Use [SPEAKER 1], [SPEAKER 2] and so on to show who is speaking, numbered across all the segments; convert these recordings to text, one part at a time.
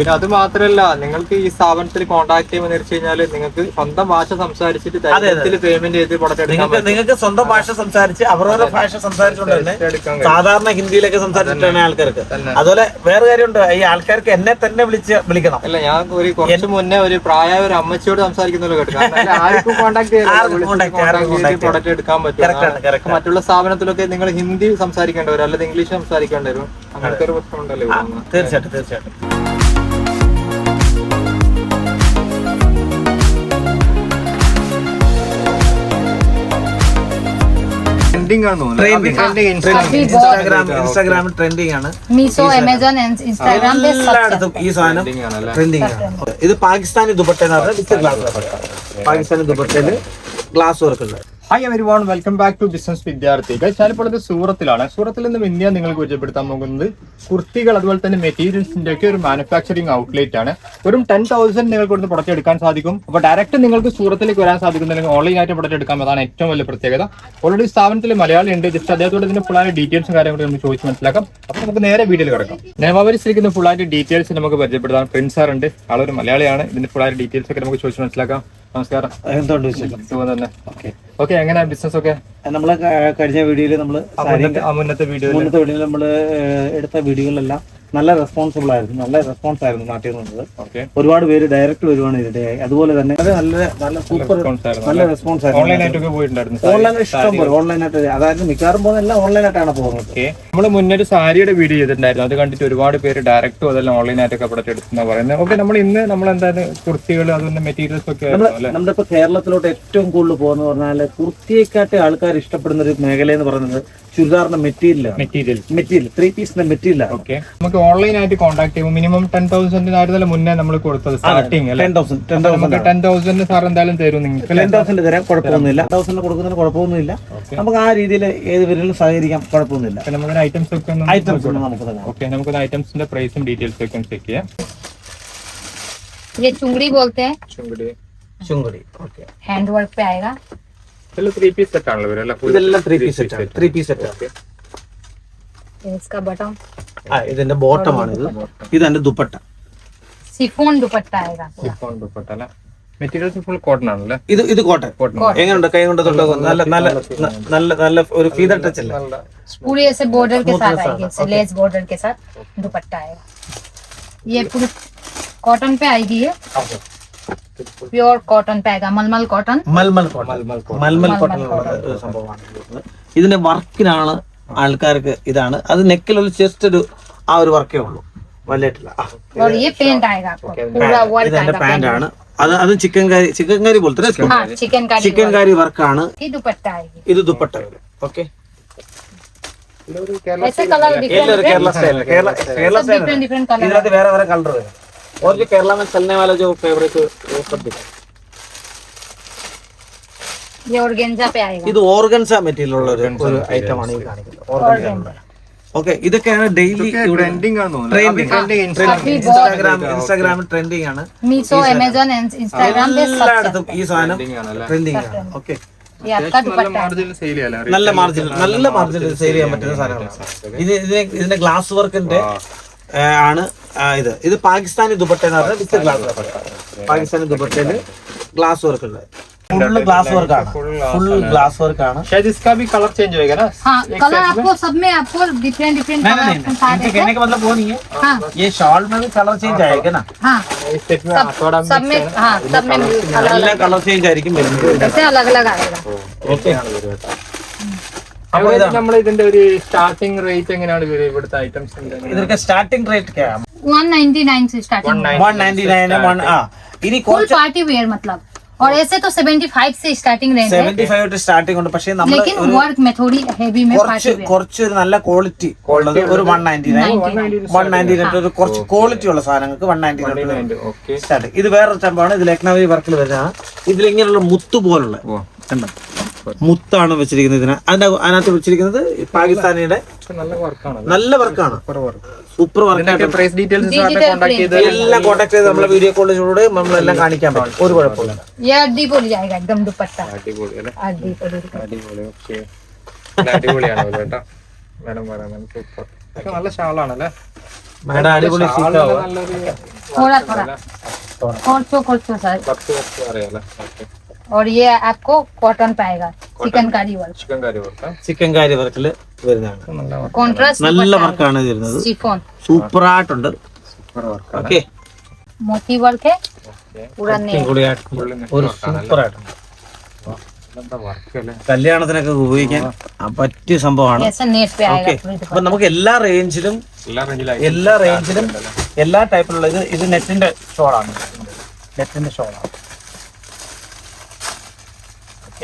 [SPEAKER 1] പിന്നെ അത് മാത്രമല്ല, നിങ്ങൾക്ക് ഈ സ്ഥാപനത്തിൽ കോൺടാക്ട് ചെയ്യുമ്പോൾ വെച്ച് കഴിഞ്ഞാൽ നിങ്ങൾക്ക് സ്വന്തം ഭാഷ സംസാരിച്ചിട്ട് പേയ്മെന്റ് ചെയ്ത്
[SPEAKER 2] നിങ്ങൾക്ക് സ്വന്തം ഭാഷ സംസാരിച്ച് അവരവരുടെ ഭാഷ സംസാരിച്ചുകൊണ്ട് തന്നെ സാധാരണ ഹിന്ദിയിലൊക്കെ സംസാരിച്ചിട്ടാണ് ആൾക്കാർക്ക്. അതുപോലെ വേറെ കാര്യമുണ്ട്, ഈ ആൾക്കാർക്ക് എന്നെ തന്നെ വിളിക്കണം.
[SPEAKER 1] അല്ല, ഞാൻ കുറച്ച് മുന്നേ ഒരു പ്രായമായ ഒരു അമ്മച്ചിയോട് സംസാരിക്കുന്നല്ലോ കേട്ടു. ആർക്കും കോൺടാക്ട് പ്രൊഡക്റ്റ് എടുക്കാൻ പറ്റും. മറ്റുള്ള സ്ഥാപനത്തിലൊക്കെ നിങ്ങൾ ഹിന്ദി സംസാരിക്കേണ്ടവരും അല്ലെങ്കിൽ ഇംഗ്ലീഷ് സംസാരിക്കേണ്ടവരും അങ്ങനത്തെ ഒരു പ്രശ്നമുണ്ടല്ലോ.
[SPEAKER 2] തീർച്ചയായിട്ടും. ഇൻസ്റ്റാഗ്രാമിൽ ട്രെൻഡിങ് ആണ്.
[SPEAKER 3] മീഷോ, ആമസോൺ, ഇൻസ്റ്റാഗ്രാം
[SPEAKER 2] എല്ലായിടത്തും ഈ സാധനം ട്രെൻഡിങ് ആണ്. ഇത് പാകിസ്ഥാനി ദുപ്പട്ട എന്ന് പറഞ്ഞാൽ പാകിസ്ഥാനി ദുപ്പട്ടയില് ഗ്ലാസ് വർക്ക് ഉണ്ട്.
[SPEAKER 1] Hi everyone, welcome back to business Vidyarthi. ഞാനിപ്പോൾ ഇത് സൂറത്തിലാണ്. സൂറത്തിൽ നിന്നും ഇന്ത്യ നിങ്ങൾക്ക് പരിചയപ്പെടുത്താൻ പോകുന്നത് കുർത്തികൾ അതുപോലെ തന്നെ മെറ്റീരിയൽസിന്റെ ഒക്കെ ഒരു മാനുഫാക്ചറിംഗ് ഔട്ട്ലെറ്റ് ആണ്. വെറും 10,000 നിങ്ങൾക്ക് ഇവിടുന്ന് പ്രൊഡക്റ്റ് എടുക്കാൻ സാധിക്കും. അപ്പോൾ ഡയറക്റ്റ് നിങ്ങൾക്ക് സൂറത്തിലേക്ക് വരാൻ സാധിക്കുന്നില്ലെങ്കിൽ ഓൺലൈനായിട്ട് പ്രൊഡക്റ്റ് എടുക്കാം. അതാണ് ഏറ്റവും വലിയ പ്രത്യേകത. ഓൾറെഡി സ്ഥാപനത്തിൽ മലയാളി ഉണ്ട്. ജസ്റ്റ് അദ്ദേഹത്തോട് ഇതിന്റെ ഫുള്ളായ ഡീറ്റെയിൽസും കാര്യങ്ങളും നമുക്ക് ചോദിച്ച് മനസ്സിലാക്കാം. അപ്പോൾ നമുക്ക് നേരെ വീഡിയോയിൽ കിടക്കാം. നിയമാവലിച്ചിരിക്കുന്ന ഫുള്ളായിട്ട് ഡീറ്റെയിൽസ് നമുക്ക് പരിചയപ്പെടുത്താം. പ്രിൻസ് സാർ ഉണ്ട്, ആളൊരു മലയാളിയാണ്. ഇതിന്റെ ഫുള്ളായ ഡീറ്റെയിൽസ് ഒക്കെ നമുക്ക് ചോദിച്ച് മനസ്സിലാക്കാം. നമസ്കാരം.
[SPEAKER 2] എന്തുകൊണ്ട് വിശേഷം?
[SPEAKER 1] സുഖം തന്നെ. ഓക്കെ, എങ്ങനെയാ ബിസിനസ് ഒക്കെ?
[SPEAKER 2] നമ്മള് കഴിഞ്ഞ വീഡിയോയില്
[SPEAKER 1] മുന്നത്തെ വീഡിയോയിൽ
[SPEAKER 2] നമ്മള് എടുത്ത വീഡിയോകളെല്ലാം നല്ല റെസ്പോൺസ് ആയിരുന്നു നാട്ടിൽ നിന്നത്. ഒരുപാട് പേര് ഡയറക്റ്റ് വരുവാണ് ഇതിടയായി. അതുപോലെ തന്നെ നല്ല സൂപ്പർ നല്ല റെസ്പോൺസ് ആയിരുന്നു. ഓൺലൈനായിട്ട് ഇഷ്ടം പോലെ ഓൺലൈനായിട്ട്, അതായത് മിക്കവാറും പോകുന്ന ഓൺലൈനായിട്ടാണ് പോകുന്നത്.
[SPEAKER 1] നമ്മൾ മുന്നൊരു സാരിയുടെ വീഡിയോ ചെയ്തിട്ടുണ്ടായിരുന്നു. അത് കണ്ടിട്ട് ഒരുപാട് പേര് ഡയറക്റ്റും അതെല്ലാം ഓൺലൈനായിട്ടൊക്കെ പ്രൊഡക്റ്റ് എടുക്കുന്ന പറയുന്നത്. ഓക്കെ, നമ്മൾ ഇന്ന് എന്തായാലും കുർത്തികൾ അതുപോലെ മെറ്റീരിയൽസ് ഒക്കെ
[SPEAKER 2] നമ്മളിപ്പോ കേരളത്തിലോട്ട് ഏറ്റവും കൂടുതൽ പോകുന്ന പറഞ്ഞാൽ കുർത്തിയെക്കാട്ടി ആൾക്കാർ ഇഷ്ടപ്പെടുന്ന ഒരു മേഖല എന്ന് പറയുന്നത് ചുരിദാറിന്റെ മെറ്റീരിയൽ 3 പീസിന്റെ മെറ്റീരിയൽ.
[SPEAKER 1] ഓക്കെ, നമുക്ക് ഓൺലൈനായിട്ട് കോൺടാക്ട് ചെയ്യുമ്പോൾ മിനിമം 10,000 മുന്നേ നമ്മൾ കൊടുത്തത് സ്റ്റാർട്ടിങ് 10,000 സാർ എന്തായാലും തരും. നിങ്ങൾക്ക്
[SPEAKER 2] 10,000 തരാൻ കുഴപ്പമൊന്നുമില്ല. 10,000 കൊടുക്കുന്നതിന് കുഴപ്പമൊന്നുമില്ല. നമുക്ക് ആ രീതിയിൽ ഏത് പേരിലും സഹകരിക്കാം, കുഴപ്പമൊന്നുമില്ല.
[SPEAKER 1] നമുക്ക് ഐറ്റംസ് ഒക്കെ നമുക്ക് ഐറ്റംസിന്റെ പ്രൈസും ഡീറ്റെയിൽസ് ഒക്കെ ചെക്ക് ചെയ്യാം.
[SPEAKER 3] ये चुंगड़ी बोलते हैं,
[SPEAKER 2] ചുങ്കടി. ഓക്കെ,
[SPEAKER 3] हैंड वर्क पे आएगा.
[SPEAKER 1] 3 പീസ് സെറ്റ് ആണല്ലോ ഇവരെല്ലാം.
[SPEAKER 2] ഇതെല്ലാം 3 പീസ് സെറ്റ്. 3 piece set.
[SPEAKER 3] इसका बटन,
[SPEAKER 2] ഇതിന്റെ ബോട്ടം ആണ് ഇത്. ഇതെന്റെ ദുപ്പട്ട,
[SPEAKER 3] शिफॉन दुपट्टा आएगा.
[SPEAKER 1] ഷിഫോൺ ദുപ്പട്ട അല്ല, മെറ്റീരിയൽസ് ഫുൾ കോട്ടൺ ആണല്ലേ?
[SPEAKER 2] ഇത് കോട്ടൺ. എങ്ങനെയുണ്ട്? കൈ കൊണ്ട് തൊട്ട് നല്ല ഒരു ഫീദർ ടച്ച് അല്ലേ?
[SPEAKER 3] पूरी ऐसे बॉर्डर के साथ आएगी, ऐसे लेस बॉर्डर के साथ दुपट्टा आएगा. ये पूरी कॉटन पे आएगी. ये പ്യൂർ കോട്ടൺ पे आएगा. मलमल कॉटन
[SPEAKER 2] സംഭവമാണ്. ഇതിന്റെ വർക്കിനാണ് ആൾക്കാർക്ക് ഇതാണ്. അത് നെക്കിലുള്ള ജസ്റ്റ് ആ ഒരു വർക്കേ ഉള്ളൂ, വലിയിട്ടില്ല.
[SPEAKER 3] और ये पेंट आएगा आपको, पूरा वर्क आएगा.
[SPEAKER 2] പാന്റ് ആണ് അത് ചിക്കൻ കാരി പോലത്തെ ചിക്കൻ കാരി വർക്കാണ്.
[SPEAKER 3] ये दुपट्टा आएगी.
[SPEAKER 2] ഇത് ദുപ്പട്ട. ഓക്കെ,
[SPEAKER 3] ऐसे colour
[SPEAKER 2] Kerala style
[SPEAKER 3] different colour.
[SPEAKER 2] ഇതിനകത്ത് വേറെ കളർ വരും. और जो केरला में चलने वाला जो फेवरेट वो सब दिखा.
[SPEAKER 3] ये ऑर्गेन्जा पे आएगा.
[SPEAKER 2] ഇത് ഓർഗൻസ മെറ്റീരിയൽ ഉള്ള ഒരു ഐറ്റം ആണ് ഈ കാണിക്കുന്നത്. ഓർഗൻസ. ഓക്കെ, ഇതൊക്കെയാണ് ഡെയിലി
[SPEAKER 1] ട്രെൻഡിങ് ആണ്
[SPEAKER 2] ഇൻസ്റ്റാഗ്രാമിൽ ട്രെൻഡിങ് ആണ്.
[SPEAKER 3] മീഷോ, ആമസോൺ, ഇൻസ്റ്റാഗ്രാം पे
[SPEAKER 2] എല്ലായിടത്തും ഈ സാധനം ട്രെൻഡിങ് ആണ്. ഓക്കെ,
[SPEAKER 3] ये आपका दुपट्टा है.
[SPEAKER 2] നല്ല മാർജിനിൽ സെയിൽ ചെയ്യാൻ പറ്റുന്ന സാധനങ്ങളാണ്. ഇതിന്റെ ഗ്ലാസ് വർക്കിന്റെ ആണ് ഇത് പാകിസ്ഥാനി ദുപ്പട്ട എന്ന് പറഞ്ഞാൽ വിത്ത് ഗ്ലാസ് വർക്ക്. പാകിസ്ഥാനി ദുപ്പട്ടയില് ഗ്ലാസ് വർക്ക് ഉണ്ട്. फुल ग्लास वर्क ആണ്.
[SPEAKER 1] शायद इसका भी कलर चेंज होएगा ना?
[SPEAKER 3] हाँ, कलर आपको सब में आपको डिफरेंट
[SPEAKER 2] इनके कहने का मतलब वो नहीं है. हाँ, ये शॉल में भी कलर चेंज आएगा ना?
[SPEAKER 3] हाँ, सब में. हाँ, सब में
[SPEAKER 2] कलर चेंज ആയിരിക്കും വരുന്നത്.
[SPEAKER 3] ऐसे अलग अलग आएगा.
[SPEAKER 2] ഓക്കെ,
[SPEAKER 1] അപ്പോൾ നമ്മൾ ഇതിന്റെ ഒരു സ്റ്റാർട്ടിംഗ് റേറ്റ് എങ്ങനെയാണ് ഇവിടുത്തെ ഐറ്റംസ്?
[SPEAKER 2] ഇതിന്റെ സ്റ്റാർട്ടിംഗ് റേറ്റ് क्या है?
[SPEAKER 3] 199 से स्टार्टिंग.
[SPEAKER 2] 199 ഇനി
[SPEAKER 3] फुल पार्टी वेयर मतलब. और ऐसे तो 75 से स्टार्टिंग रेंज है.
[SPEAKER 2] 75 സ്റ്റാർട്ടിംഗ് ഉണ്ട്. പക്ഷേ നമ്മൾ
[SPEAKER 3] लेकिन वर्क में थोड़ी हेवी में पार्टी वेयर
[SPEAKER 2] കുറച്ച് നല്ല ക്വാളിറ്റി ഉള്ളത് ഒരു 199 ഒരു കുറച്ച് ക്വാളിറ്റി ഉള്ള സാധനങ്ങൾക്ക് 199.
[SPEAKER 1] Okay,
[SPEAKER 2] starting. ഇത് വേറൊരു സംഭവമാണ്. ഇത് ലക്നൗവി വർക്കിൽ വരുന്നതാണ്. ഇതിൽ ഇങ്ങനെയുള്ള മുത്ത് പോലുള്ള മുത്താണ് വെച്ചിരിക്കുന്നത്. അതിനകത്ത് വെച്ചിരിക്കുന്നത് പാകിസ്ഥാനിയുടെ നല്ല വർക്കാണ്. Super work.
[SPEAKER 1] പ്രൈസ് ഡീറ്റെയിൽസ്
[SPEAKER 2] എല്ലാം കോൺടാക്ട് ചെയ്ത് നമ്മളെ വീഡിയോ കോളിലൂടെ നമ്മളെല്ലാം കാണിക്കാൻ പറ്റും. ഒരു കുഴപ്പമില്ല.
[SPEAKER 3] ये अड्डीपोली आएगा एकदम दुपट्टा.
[SPEAKER 1] അടിപൊളി അല്ലേ?
[SPEAKER 3] अड्डीपोली.
[SPEAKER 1] ഓക്കെ, അടിപൊളിയാണ് കേട്ടോ. സൂപ്പർ. നല്ല ഷാളാണല്ലേ?
[SPEAKER 2] മേഡം അടിപൊളി സീറ്റാവും.
[SPEAKER 3] थोड़ा थोड़ा खोल सर। और ये आपको कॉटन पाएगा, चिकनकारी वर्क,
[SPEAKER 2] ചിക്കൻ കാരി വർക്കിൽ വരുന്നതാണ്.
[SPEAKER 3] कॉन्ट्रास्ट
[SPEAKER 2] നല്ല വർക്കാണ് ഇത് വരുന്നത്.
[SPEAKER 3] शिफॉन
[SPEAKER 2] സൂപ്പർ ആയിട്ടുണ്ട്. ഓക്കെ,
[SPEAKER 3] मोती वर्क है पूरा नेट।
[SPEAKER 2] ഒരു സൂപ്പർ ആയിട്ടുണ്ട്. കല്യാണത്തിനൊക്കെ ഉപയോഗിക്കാൻ പറ്റിയ സംഭവമാണ്.
[SPEAKER 3] ऐसा नेट पे
[SPEAKER 2] ഓക്കെ,
[SPEAKER 3] आएगा।
[SPEAKER 2] അപ്പൊ നമുക്ക് എല്ലാ റേഞ്ചിലും എല്ലാ ടൈപ്പിലുള്ള ഇത് നെറ്റിന്റെ ഷോളാണ്. നെറ്റിന്റെ ഷോളാണ്. ഓക്കെ,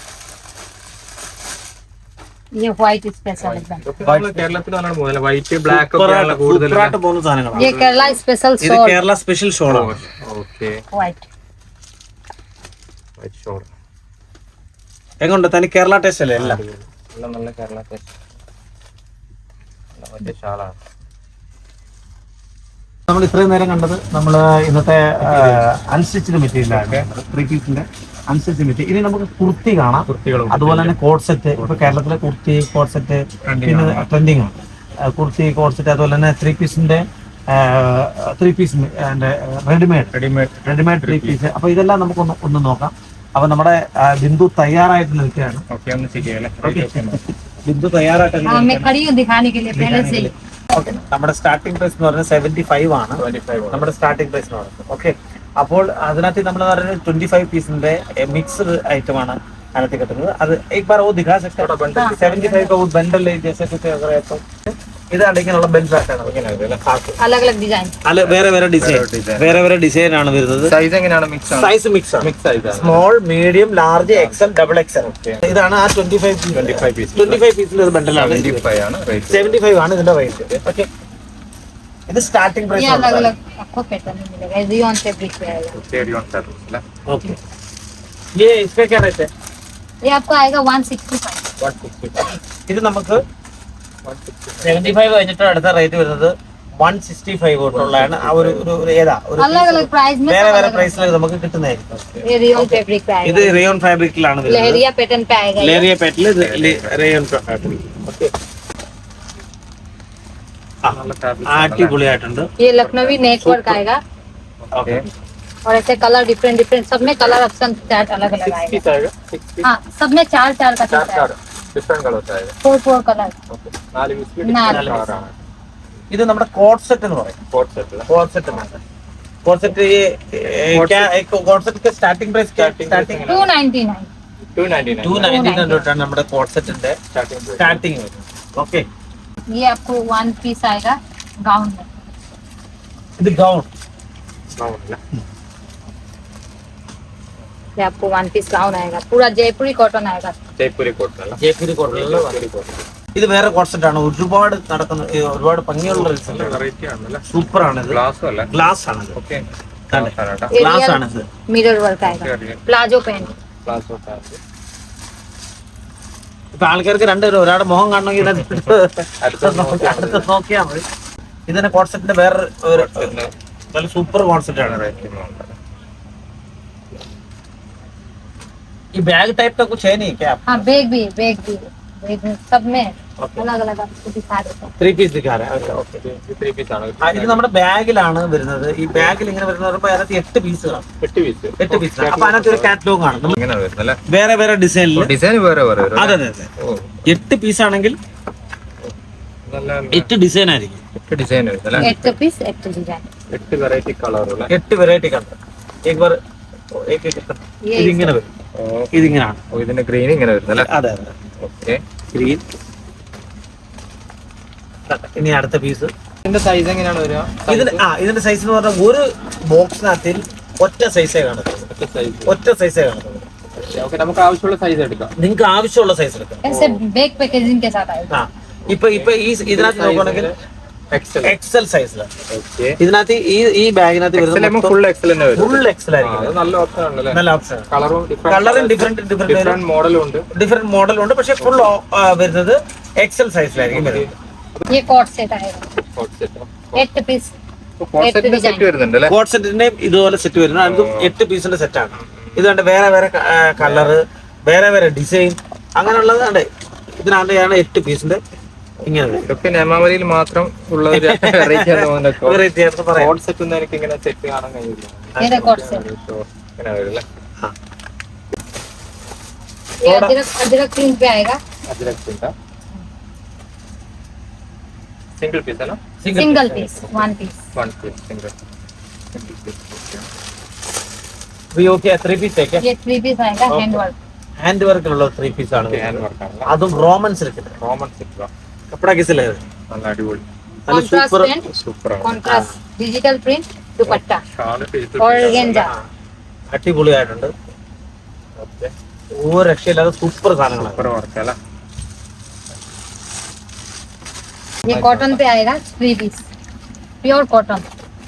[SPEAKER 3] ये व्हाइट स्पेशल एकदम,
[SPEAKER 1] വൈറ്റ് ബ്ലാക്ക്
[SPEAKER 2] സൂപ്പറായിട്ട് പോകുന്ന സാധനങ്ങളാണ്.
[SPEAKER 3] ये केरला स्पेशल
[SPEAKER 2] ഇത്
[SPEAKER 3] शॉल
[SPEAKER 2] കേരള സ്പെഷ്യൽ ഷോളാണ്.
[SPEAKER 3] व्हाइट।
[SPEAKER 2] എങ്ങോട്ട് തനി കേരള ടേസ്റ്റ് അല്ലേ എല്ലാം?
[SPEAKER 1] നല്ല കേരള
[SPEAKER 2] നമ്മൾ ഇത്രയും നേരം കണ്ടത് നമ്മൾ ഇന്നത്തെ അൺസ്റ്റിച്ച്ഡ് മെറ്റീരിയലാണ്, 3 പീസിന്റെ അൺസ്റ്റിച്ച്ഡ് മെറ്റീരിയൽ. ഇനി നമുക്ക് കുർത്തി കാണാം, അതുപോലെ തന്നെ കോഡ് സെറ്റ്. ഇപ്പൊ കേരളത്തിലെ കുർത്തി കോഡ് സെറ്റ് പിന്നെ ട്രെൻഡിങ് ആണ്. കുർത്തി കോഡ് സെറ്റ് അതുപോലെ തന്നെ 3 പീസിന്റെ 3 പീസ് റെഡിമെയ്ഡ് 3 പീസ്. അപ്പൊ ഇതെല്ലാം നമുക്ക് ഒന്ന് നോക്കാം. അപ്പൊ നമ്മുടെ ബിന്ദു തയ്യാറായിട്ട് നിൽക്കുകയാണ്. ബിന്ദു തയ്യാറായിട്ട്
[SPEAKER 3] हाँ मैं खड़ी हूँ दिखाने के लिए पहले से ही।
[SPEAKER 2] ഓക്കെ, നമ്മുടെ സ്റ്റാർട്ടിംഗ് പ്രൈസ് എന്ന് പറയുന്നത് 75 ആണ്. നമ്മുടെ സ്റ്റാർട്ടിംഗ് പ്രൈസ് എന്ന് പറയുന്നത്. ഓക്കെ, അപ്പോൾ അതിനകത്ത് നമ്മൾ പറയുന്നത് 25 പീസിന്റെ മിക്സ്ഡ് ഐറ്റം ആണ് അതിനകത്ത് കിട്ടുന്നത്. അത് एक बार वो दिखा सकते हैं? 75 का वो बंडल है जैसे कुछ अगर है तो ഇതാണ് ഇങ്ങനെയുള്ള ബെൽറ്റ് പാറ്റേൺ.
[SPEAKER 3] अलग अलग डिजाइन,
[SPEAKER 2] അല്ല വേറെ ഡിസൈൻ ആണ് വരുന്നത്.
[SPEAKER 1] സൈസ് എങ്ങനെയാണ്? മിക്സ്
[SPEAKER 2] സൈസ് മിക്സ് ആണ്.
[SPEAKER 1] Mix size
[SPEAKER 2] small, medium, large, XL, double XL. ഇതാണ് ആ 25 പീസിന്റെ ഒരു ബണ്ടലാണ്. 75 ആണ് ഇതിന്റെ റേറ്റ്. ഓക്കെ, ഇത് സ്റ്റാർട്ടിംഗ്
[SPEAKER 3] ये
[SPEAKER 2] പ്രൈസ്
[SPEAKER 3] अलग
[SPEAKER 2] ആണ്.
[SPEAKER 3] अलग आपको पैटर्न में मिलेगा। रियॉन फैब्रिक पे आएगा।
[SPEAKER 2] ओके, ये इसका क्या रेट है?
[SPEAKER 3] ये आपको आएगा 165।
[SPEAKER 2] ഇത് നമുക്ക് 75 കഴിഞ്ഞിട്ട് അടുത്ത റേറ്റ് വരുന്നത് 165 തൊട്ടുള്ളതാണ്. ആ ഒരു ഏതാ ഒരു
[SPEAKER 3] अलग अलग प्राइस में
[SPEAKER 2] വേറെ
[SPEAKER 3] सब
[SPEAKER 2] വേറെ
[SPEAKER 3] अलग
[SPEAKER 2] പ്രൈസിൽ നമുക്ക് കിട്ടുന്നതായിരിക്കും.
[SPEAKER 3] अलग। ये रियॉन फैब्रिक पे
[SPEAKER 2] ഇത്
[SPEAKER 3] आएगा,
[SPEAKER 2] റയോൺ ഫാബ്രിക്കിലാണ് വരുന്നത്.
[SPEAKER 3] लहरिया पैटर्न पे आएगा ये।
[SPEAKER 2] ലേറിയ പാറ്റിൽ റയോൺ ഫാബ്രിക്. ഓക്കെ, അടിപൊളിയായിട്ടുണ്ട്.
[SPEAKER 3] ये लखनवी नेट वर्क आएगा
[SPEAKER 2] ഓക്കെ,
[SPEAKER 3] और ऐसे कलर डिफरेंट सब में कलर ऑप्शन चार्ट अलग अलग आएगा। हाँ, सब में चार का चार्ट है,
[SPEAKER 1] ഡിഫറെന്റ് കളേഴ്സ് ആയത്.
[SPEAKER 3] 4 कलर।
[SPEAKER 1] 4 പീസ്
[SPEAKER 3] നാല്
[SPEAKER 1] കളറാണ്.
[SPEAKER 2] ഇത് നമ്മുടെ കോഡ് സെറ്റ് എന്ന് പറയും.
[SPEAKER 1] Co-ord set
[SPEAKER 2] co-ord set co-ord set co-ord set starting price starting
[SPEAKER 3] 299।
[SPEAKER 1] 299
[SPEAKER 2] തൊട്ടാണ് നമ്മുടെ കോഡ് സെറ്റിന്റെ സ്റ്റാർട്ടിംഗ് വരുന്നത്. ഓക്കെ,
[SPEAKER 3] ये आपको 1 पीस आएगा गाउन में।
[SPEAKER 2] ഇത് ഗൗൺ.
[SPEAKER 3] ये आपको 1 पीस गाउन आएगा, पूरा जयपुरी कॉटन आएगा।
[SPEAKER 1] ജയ്പൂരി കോട്ടൺ അല്ല?
[SPEAKER 2] ജയ്പൂരി കോട്ടൺ. ഇത് വേറെ കോഡ് സെറ്റ് ആണ്. ഒരുപാട് നടക്കുന്ന ഒരുപാട് ഭംഗിയുള്ള
[SPEAKER 1] വെറൈറ്റി ആണല്ലേ?
[SPEAKER 2] സൂപ്പർ ആണ്. ഇത്
[SPEAKER 1] ഗ്ലാസും അല്ല?
[SPEAKER 2] ഗ്ലാസ് ആണ്.
[SPEAKER 1] ഓക്കെ,
[SPEAKER 3] ये
[SPEAKER 2] ഗ്ലാസ്
[SPEAKER 3] रियल
[SPEAKER 2] ആണ് ഇത്.
[SPEAKER 3] मिरर वर्क आएगा, प्लाजो पैंट।
[SPEAKER 1] ഗ്ലാസ് ഒക്കെ
[SPEAKER 2] ഇപ്പൊ ആൾക്കാർക്ക് രണ്ടുപേരും ഒരാളുടെ മുഖം കാണണമെങ്കിൽ അടുത്ത് നോക്കിയാൽ മതി. ഇതിന്റെ കോഡ് സെറ്റിന്റെ വേറെ ഒരു നല്ല സൂപ്പർ കോൺസെപ്റ്റ് ആണ്. ये बैग टाइप का कुछ है नहीं क्या?
[SPEAKER 3] हाँ, बैग भी सब में अलग अलग आपको दिखा देता हूँ।
[SPEAKER 2] 3 പീസ് दिखा रहा है. ओके,
[SPEAKER 1] 3 പീസ് ആണ്.
[SPEAKER 2] ഇത് നമ്മുടെ ബാഗിലാണ് വരുന്നത്. ഈ ബാഗിൽ ഇങ്ങനെ വരുന്ന പറയുമ്പോൾ അതിനകത്ത് 8 പീസ് കാണും. 8 പീസ്. അപ്പൊ അതിനകത്ത് ഒരു കാറ്റലോഗ് ആണ്.
[SPEAKER 1] ഇങ്ങനെ വരുന്നല്ലേ?
[SPEAKER 2] വേറെ ഡിസൈനിൽ.
[SPEAKER 1] ഡിസൈൻ വേറെ വരും.
[SPEAKER 2] അതെ. 8 പീസ് ആണെങ്കിൽ
[SPEAKER 1] നല്ല
[SPEAKER 2] 8 ഡിസൈൻ ആയിരിക്കും.
[SPEAKER 1] 8 ഡിസൈൻ വരുന്നല്ലേ?
[SPEAKER 3] 8 പീസ് 8 डिजाइन,
[SPEAKER 1] 8 വെറൈറ്റി കളറുള്ള
[SPEAKER 2] 8 വെറൈറ്റി കളർ. ഇതിങ്ങനെ വരും. ഇതിങ്ങനെയാണ്.
[SPEAKER 1] ഇതിന്റെ ഗ്രീൻ ഇങ്ങനെ വരുന്നല്ലേ?
[SPEAKER 2] അതെ.
[SPEAKER 1] Okay,
[SPEAKER 2] green. ഇനി അടുത്ത പീസ്.
[SPEAKER 1] ഇതിന്റെ സൈസ് എങ്ങനെയാണ് വരിക?
[SPEAKER 2] ഇതിന്റെ സൈസ് എന്ന് പറഞ്ഞാൽ ഒരു ബോക്സിനകത്തിൽ ഒറ്റ സൈസേ കാണത്തുള്ളൂ. ഒറ്റ സൈസേ കാണത്തുള്ളൂ.
[SPEAKER 1] ഓക്കെ, നമുക്ക് ആവശ്യമുള്ള സൈസ് എടുക്കാം.
[SPEAKER 2] നിങ്ങൾക്ക് ആവശ്യമുള്ള സൈസ് എടുക്കാം.
[SPEAKER 3] ऐसे बैग पैकेजिंग के साथ आएगा।
[SPEAKER 2] ഇപ്പൊ ഈ ഇതിനകത്ത് നോക്കുകയാണെങ്കിൽ എക്സൽ സൈസിലാണ്.
[SPEAKER 1] ഓക്കെ,
[SPEAKER 2] ഇതിനകത്ത് ഈ ബാഗിനകത്ത് വരുന്നത്
[SPEAKER 1] ഫുൾ എക്സൽ തന്നെ വരും.
[SPEAKER 2] ഫുൾ എക്സൽ ആയിരിക്കും.
[SPEAKER 1] അത് നല്ല ഓപ്ഷൻ ആണല്ലേ?
[SPEAKER 2] നല്ല ഓപ്ഷൻ.
[SPEAKER 1] കളറും
[SPEAKER 2] ഡിഫറെന്റ്
[SPEAKER 1] മോഡലും ഉണ്ട്.
[SPEAKER 2] ഡിഫറെന്റ് മോഡൽ ഉണ്ട്. പക്ഷെ ഫുൾ വരുന്നത് എക്സൽ സൈസിലായിരിക്കും വരുന്നത്.
[SPEAKER 3] ये कॉट सेट आएगा,
[SPEAKER 1] കോഡ് സെറ്റ്
[SPEAKER 3] 8 पीस।
[SPEAKER 1] കോഡ് സെറ്റിന്റെ സെറ്റ് വരുന്നുണ്ട് അല്ലേ?
[SPEAKER 2] കോഡ് സെറ്റിന്റെ ഇതുപോലെ സെറ്റ് വരുന്നത്. അതും 8 പീസിന്റെ സെറ്റാണ്. ഇത് കണ്ട് വേറെ കളറ് വേറെ ഡിസൈൻ അങ്ങനെയുള്ളത് കണ്ടേ. ഇതിനകത്ത് 8 പീസിന്റെ ഇങ്ങനെ വരും.
[SPEAKER 1] ഇതൊക്കെ നിയമാവലിയിൽ മാത്രം ഉള്ള ഒരു വെറൈറ്റി ആണ് തോന്നുന്നത്.
[SPEAKER 2] വെറൈറ്റി ആയിട്ട് പറയാം.
[SPEAKER 1] കോഡ് സെറ്റ് ഒന്നും എനിക്ക് ഇങ്ങനെ സെറ്റ് കാണാൻ കഴിയില്ല.
[SPEAKER 3] ये देखो से
[SPEAKER 1] ഇങ്ങനെ വരില്ലേ?
[SPEAKER 3] ये अदरक प्रिंट पे आएगा
[SPEAKER 1] സിംഗിൾ പീസ് ആണ്.
[SPEAKER 3] Single piece 1 piece
[SPEAKER 1] one piece single
[SPEAKER 2] okay 3 piece ഒക്കെ
[SPEAKER 3] ये 3 पीस आएगा हैंड वर्क
[SPEAKER 2] ഹാൻഡ് വർക്കിലുള്ള 3 പീസ് ആണ്
[SPEAKER 1] ഹാൻഡ് വർക്ക് ആണല്ലോ.
[SPEAKER 2] അതും റോമൻ സിൽക്കിന്റെ
[SPEAKER 1] റോമൻ സിൽക്ക്
[SPEAKER 2] കപ്പട കിസിലെ
[SPEAKER 1] നല്ല അടിപൊളി
[SPEAKER 2] നല്ല
[SPEAKER 3] कॉन्ट्रास्ट
[SPEAKER 2] സൂപ്പർ
[SPEAKER 3] प्रिंट
[SPEAKER 1] സൂപ്പറാണ്.
[SPEAKER 3] Contrast digital print dupatta
[SPEAKER 1] shawl ഫേസ്
[SPEAKER 3] ऑर्गेन्जा
[SPEAKER 2] അടിപൊളിയായിട്ടുണ്ട്. ഒരു രക്ഷയില്ലാതെ സൂപ്പർ സാധനങ്ങളാണ്.
[SPEAKER 1] സൂപ്പർ വർക്ക് അല്ലേ?
[SPEAKER 3] ये कॉटन पे आएगा 3 पीस प्योर कॉटन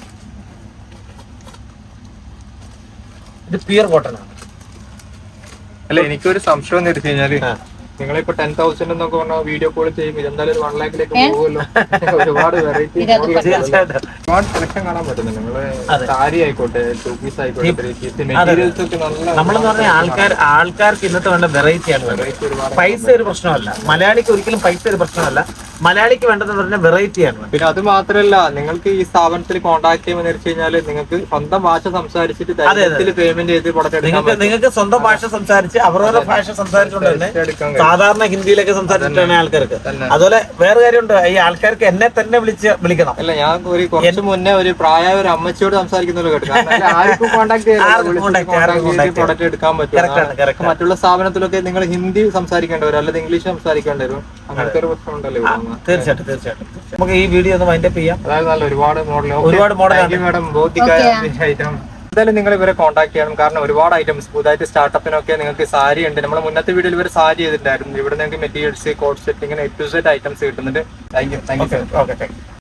[SPEAKER 2] ഇത് പ്യൂർ കോട്ടൺ ആണ്.
[SPEAKER 1] അല്ല എനിക്കൊരു സംശയം എന്ന് വെച്ച് കഴിഞ്ഞാല്
[SPEAKER 2] ആ.
[SPEAKER 1] നിങ്ങളിപ്പോ 10,000 എന്നൊക്കെ പറഞ്ഞാൽ വീഡിയോ കോൾ ചെയ്യുമ്പോൾ ഇതെന്തായാലും ഒരു 1 ലാഖിലേക്ക്
[SPEAKER 3] ഏ?
[SPEAKER 1] പോകുമല്ലോ. ഒരുപാട് വെറൈറ്റി
[SPEAKER 3] ഇത് അത്
[SPEAKER 2] തീർച്ചയായിട്ടും
[SPEAKER 1] ഒരുപാട് സെലക്ഷൻ കാണാൻ പറ്റുന്നുണ്ട്. നിങ്ങള്
[SPEAKER 2] അതെ.
[SPEAKER 1] സാരി ആയിക്കോട്ടെ, ടൂ പീസ് ആയിക്കോട്ടെ,
[SPEAKER 2] അതെ.
[SPEAKER 1] മെറ്റീരിയൽസ് ഒക്കെ നല്ല
[SPEAKER 2] നമ്മളെന്ന് പറഞ്ഞാൽ ആൾക്കാർക്ക് ഇന്നത്തെ വേണ്ട വെറൈറ്റിയാണ് വേണ്ടത്.
[SPEAKER 1] വെറൈറ്റി ഒരുപാട്.
[SPEAKER 2] പൈസ ഒരു പ്രശ്നമല്ല. മലയാളിക്ക് ഒരിക്കലും പൈസ ഒരു പ്രശ്നമല്ല. മലയാളിക്ക് വേണ്ടതെന്ന് പറഞ്ഞാൽ വെറൈറ്റിയാണ്.
[SPEAKER 1] പിന്നെ അത് മാത്രല്ല, നിങ്ങൾക്ക് ഈ സ്ഥാപനത്തിൽ കോൺടാക്ട് ചെയ്യുമ്പോൾ വെച്ച് കഴിഞ്ഞാല് നിങ്ങൾക്ക് സ്വന്തം ഭാഷ സംസാരിച്ചിട്ട് ധൈര്യത്തിൽ പേയ്മെന്റ് ചെയ്ത് പ്രൊഡക്റ്റ് എടുക്കാൻ പറ്റും.
[SPEAKER 2] നിങ്ങൾക്ക് സ്വന്തം ഭാഷ സംസാരിച്ച് അവരവരുടെ ഭാഷ സംസാരിച്ചുകൊണ്ട് തന്നെ
[SPEAKER 1] എടുക്കാൻ കഴിയും.
[SPEAKER 2] സാധാരണ ഹിന്ദിയിലൊക്കെ സംസാരിച്ചിട്ടാണ് ആൾക്കാർക്ക്.
[SPEAKER 1] തന്നെ.
[SPEAKER 2] അതുപോലെ വേറെ കാര്യമുണ്ട്, ഈ ആൾക്കാർക്ക് എന്നെ തന്നെ വിളിക്കണം.
[SPEAKER 1] അല്ല, ഞാൻ ഒരു കുറച്ച് മുന്നേ ഒരു പ്രായമായ ഒരു അമ്മച്ചിയോട് സംസാരിക്കുന്നത് കേട്ടു. കാരണം അല്ല, ആർക്കും കോൺടാക്ട്
[SPEAKER 2] ആർക്കും contact ചെയ്യാം.
[SPEAKER 1] പ്രൊഡക്റ്റ് എടുക്കാൻ
[SPEAKER 2] Correct ആണ്, correct
[SPEAKER 1] പറ്റും.
[SPEAKER 2] ആണ്.
[SPEAKER 1] മറ്റുള്ള സ്ഥാപനത്തിലൊക്കെ നിങ്ങൾ ഹിന്ദി സംസാരിക്കേണ്ടി വരും, അല്ലെങ്കിൽ ഇംഗ്ലീഷ് സംസാരിക്കേണ്ടി വരും. അങ്ങനത്തെ ഒരു പ്രശ്നം ഉണ്ടല്ലോ ഇവിടെ.
[SPEAKER 2] തീർച്ചയായിട്ടും നമുക്ക് ഈ വീഡിയോ ഒന്ന് വൈൻഡപ്പ് ചെയ്യാം.
[SPEAKER 1] അതായത് നല്ല ഒരുപാട് മോഡൽ
[SPEAKER 2] ഒരുപാട് model
[SPEAKER 1] മാഡം
[SPEAKER 3] Okay.
[SPEAKER 1] ഐറ്റം എന്തായാലും നിങ്ങൾ ഇവരെ കോൺടാക്ട് ചെയ്യണം. കാരണം ഒരുപാട് ഐറ്റംസ് പുതുതായിട്ട് സ്റ്റാർട്ടപ്പിനൊക്കെ നിങ്ങൾക്ക് സാരി ഉണ്ട്. നമ്മൾ മുന്നത്തെ വീഡിയോയിൽ ഇവർ സാരി ചെയ്തിട്ടുണ്ടായിരുന്നു. ഇവിടെ നിങ്ങൾക്ക് മെറ്റീരിയൽസ്, കോഡ് സെറ്റ്, ഇങ്ങനെ A to Z ഐറ്റംസ് കിട്ടുന്നുണ്ട്. Thank you.
[SPEAKER 2] ഓക്കെ